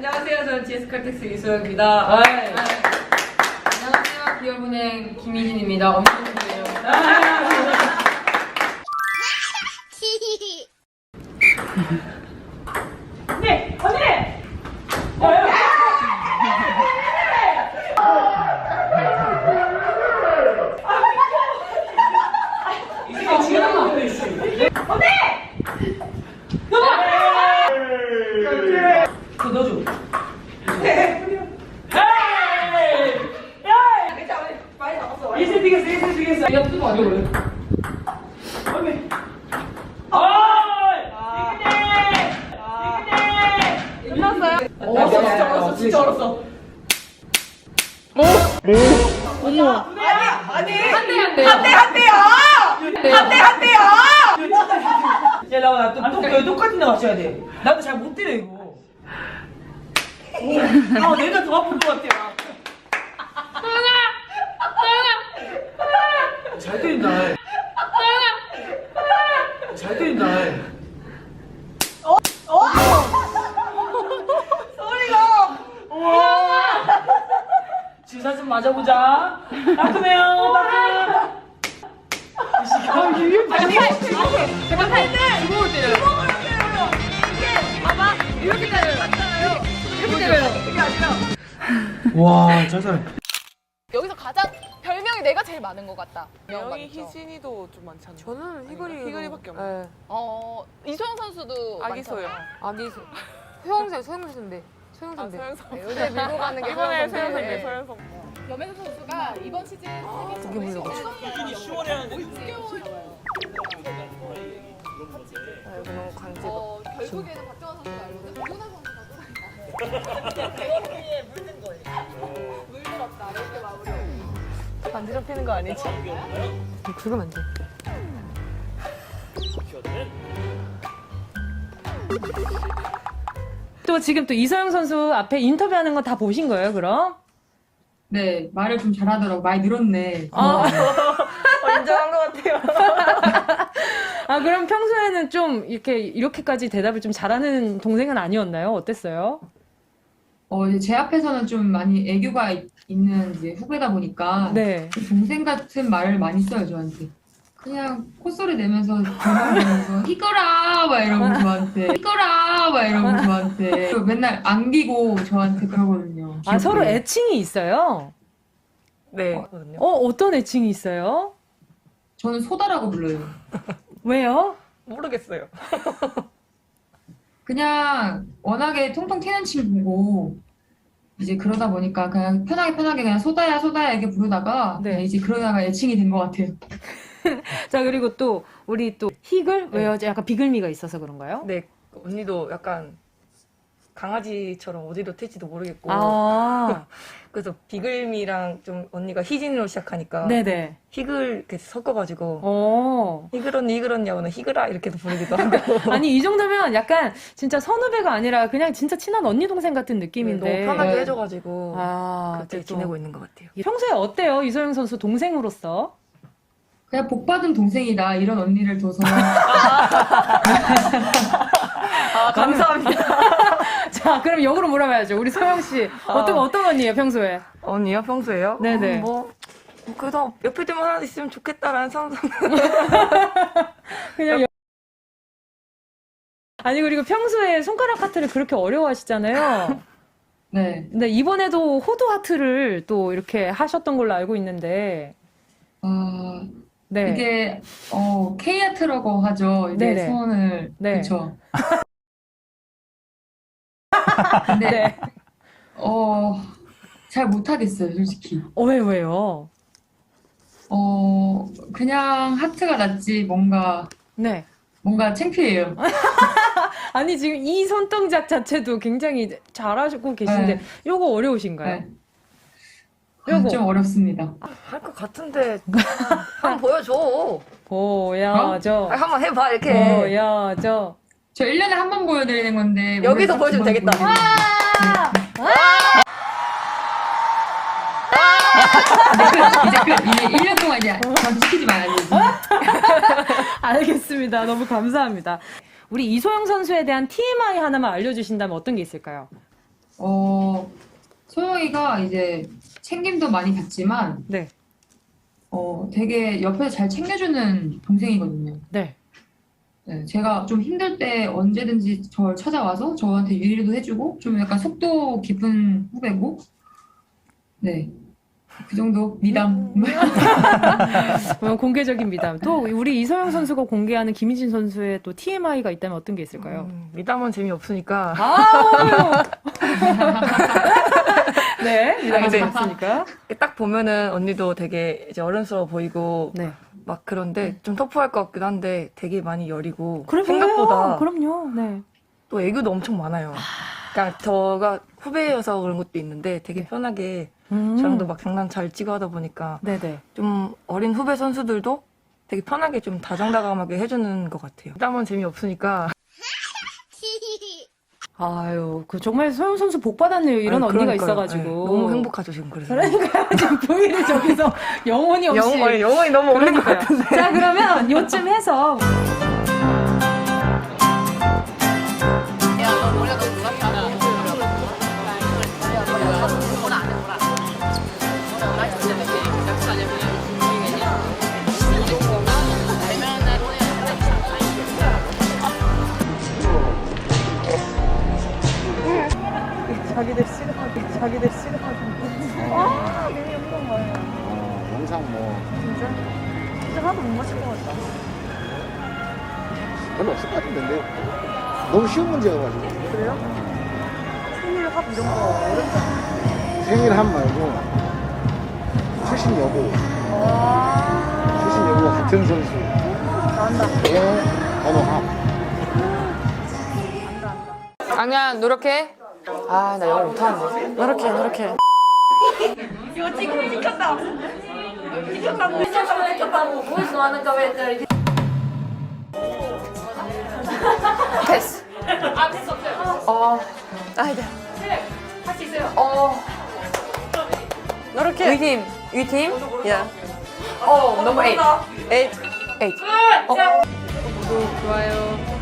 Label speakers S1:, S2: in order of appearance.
S1: 안녕하세요. 저는 GS칼텍스 이소영입니다. 안녕하세요. 기업은행 김희진입니다. 엄청 좋네요.
S2: 네, 언니! 이게 지금 언니! 그거 넣어줘. 예슬 뛰겠어, 예슬 뛰겠어.
S1: 야, 뜨거 아니야, 원래?
S2: 언니.
S1: 끝났어요?
S2: 진짜 얼었어, 진짜 얼었어.
S1: 어머.
S2: 한대요! 야, 나와, 똑같은 데 맞춰야 돼. 나도 잘 못 때려, 이거. 아, 내가 더 아픈 것 같아. 잘 때린다. 잘 때린다. 소리가! 주사 좀 맞아보자. 따끔해요, 따끔.
S1: 제가 할 때! 주먹을 때려요. 봐봐. 이렇게 때려요. 이렇게 때려요. 이게 아니라.
S2: 와, 짜잘.
S3: 여기서 가장 별명이 내가 제일 많은 것 같다.
S4: 명이 희진이도 좀 많잖아요.
S5: 저는
S4: 희글이밖에 없어요.
S5: 네.
S3: 이소영 선수도
S4: 아기소영.
S3: 많잖아.
S5: 소영 선배인데. 소영 선배.
S4: 소영 선배.
S3: 요새 밀고 가는 게
S4: 이번에
S3: 소영
S4: 소영 선배,
S3: 선배.
S4: 소영 선배.
S3: 염혜선 선수가 이번 시즌 세계
S4: 희진이 10월에 하는데
S5: 이거 너무 간지러.
S3: 결국에는 박정환 선수가 알거든. 유나 선수가 물들었다 이렇게 마무리.
S5: 간지럽히는 거 아니지? 긁으면 안 돼.
S6: 또 지금 또 이소영 선수 앞에 인터뷰하는 거 다 보신 거예요, 그럼?
S1: 네, 말을 좀 잘하더라고. 많이 늘었네.
S4: 인정한 것 같아요.
S6: 아, 그럼 평소에는 좀 이렇게까지 대답을 좀 잘하는 동생은 아니었나요? 어땠어요?
S1: 이제 제 앞에서는 좀 많이 애교가 있는 이제 후배다 보니까
S6: 네.
S1: 동생 같은 말을 많이 써요, 저한테. 그냥 콧소리 내면서 대화하면서 희거라 막 이러고 저한테 희거라 막 이러고 저한테 그리고 맨날 안기고 저한테 그러거든요.
S6: 아, 서로
S1: 귀엽게.
S6: 애칭이 있어요?
S4: 네.
S6: 어떤 애칭이 있어요?
S1: 저는 소다라고 불러요.
S6: 왜요?
S4: 모르겠어요.
S1: 그냥 워낙에 통통 튀는 친구고 이제 그러다 보니까 그냥 편하게 그냥 소다야 이렇게 부르다가
S6: 네.
S1: 그냥 이제 그러다가 애칭이 된 것 같아요.
S6: 자, 그리고 또 우리 또 희글? 왜요? 약간 비글미가 있어서 그런가요?
S7: 네, 언니도 약간 강아지처럼 어디로 튈지도 모르겠고
S6: 아,
S7: 그래서 비글미랑 좀 언니가 희진으로 시작하니까
S6: 네네.
S7: 희글 이렇게 섞어가지고
S6: 어.
S7: 희글 언니 하고는 희글아 이렇게도 부르기도 하고
S6: 아니, 이 정도면 약간 진짜 선후배가 아니라 그냥 진짜 친한 언니 동생 같은 느낌인데.
S7: 너무 편하게
S1: 네.
S7: 해줘가지고
S6: 아,
S7: 그렇게
S6: 또.
S7: 지내고 있는 것 같아요.
S6: 평소에 어때요? 이소영 선수 동생으로서?
S1: 그냥 복 받은 동생이다 이런 언니를 둬서
S7: 감사합니다.
S6: 자, 그럼 역으로 물어봐야죠. 우리 소영 씨. 어떤 언니예요, 평소에?
S7: 언니요? 평소에요?
S6: 네네.
S7: 그래도 옆에 좀 하나 있으면 좋겠다라는 상상.
S6: 그냥 아니, 그리고 평소에 손가락 하트를 그렇게 어려워하시잖아요.
S1: 네.
S6: 근데 이번에도 호두 하트를 또 이렇게 하셨던 걸로 알고 있는데. 네.
S1: 이게 K아트라고 하죠. 이제
S6: 네네.
S1: 소원을
S6: 네.
S1: 그쵸. 근데
S6: 네.
S1: 잘 못하겠어요, 솔직히.
S6: 왜요?
S1: 그냥 하트가 낫지 뭔가
S6: 네.
S1: 창피해요.
S6: 아니, 지금 이 손동작 자체도 굉장히 잘하시고 계신데,
S1: 네.
S6: 요거 어려우신가요?
S1: 네.
S6: 요거.
S1: 좀 어렵습니다.
S7: 할 것 같은데 한번 보여줘.
S6: 보여줘.
S7: 한번 해봐 이렇게.
S6: 보여줘.
S1: 저 1년에 한 번 보여드리는 건데
S7: 여기서
S1: 올해
S7: 보여주면
S1: 두 번
S7: 되겠다.
S1: 이제 끝. 이제 1년 동안 이제 전 지키지 말아야지.
S6: 알겠습니다. 너무 감사합니다. 우리 이소영 선수에 대한 TMI 하나만 알려주신다면 어떤 게 있을까요?
S1: 소영이가 이제 챙김도 많이 받지만,
S6: 네.
S1: 되게 옆에서 잘 챙겨주는 동생이거든요.
S6: 네.
S1: 네, 제가 좀 힘들 때 언제든지 저를 찾아와서 저한테 유의도 해주고, 좀 약간 속도 깊은 후배고, 네. 그 정도 미담.
S6: 공개적인 미담. 또 우리 이서영 선수가 공개하는 김희진 선수의 또 TMI가 있다면 어떤 게 있을까요?
S7: 미담은 재미없으니까.
S6: 네, 미담이
S7: 네.
S6: 없으니까.
S7: 딱 보면은 언니도 되게 이제 어른스러워 보이고
S6: 네.
S7: 막 그런데 좀 터프할 것 같기도 한데 되게 많이 여리고
S6: 그래,
S7: 생각보다
S6: 그럼요. 네.
S7: 또 애교도 엄청 많아요. 그러니까 저가 후배여서 그런 것도 있는데 되게 편하게 저랑도 막 장난 잘 치고 하다 보니까
S6: 네네.
S7: 좀 어린 후배 선수들도 되게 편하게 좀 다정다감하게 해주는 것 같아요. 미담은 재미없으니까.
S6: 아유, 정말 서영 선수 복 받았네요. 이런
S7: 아유,
S6: 언니가
S7: 그러니까요.
S6: 있어가지고.
S7: 네, 너무 행복하죠 지금 그래서.
S6: 그러니까요. 지금 부인을 저기서 영혼이 없이.
S7: 영혼이 너무 없는 것
S6: 그러니까요.
S7: 같은데.
S6: 자, 그러면 요쯤 해서.
S8: 영상 뭐
S5: 진짜 하나도 못 맞힐 것 같다.
S8: 별로 없을 것 같은데 근데 너무 쉬운 문제여가지고
S5: 그래요? 생일 합 이런 거 어렵잖아.
S8: 생일 한 말고 출신 여고 출신 여고 같은 선수
S5: 나온다.
S8: 번호 합
S5: 아니야, 노력해. 아, 나 영어 못하는데. 노력해. 패스. 아이들. 할 수 있어요. 노력해. 위팀? 야. 넘버 8. 8. 구독, 좋아요.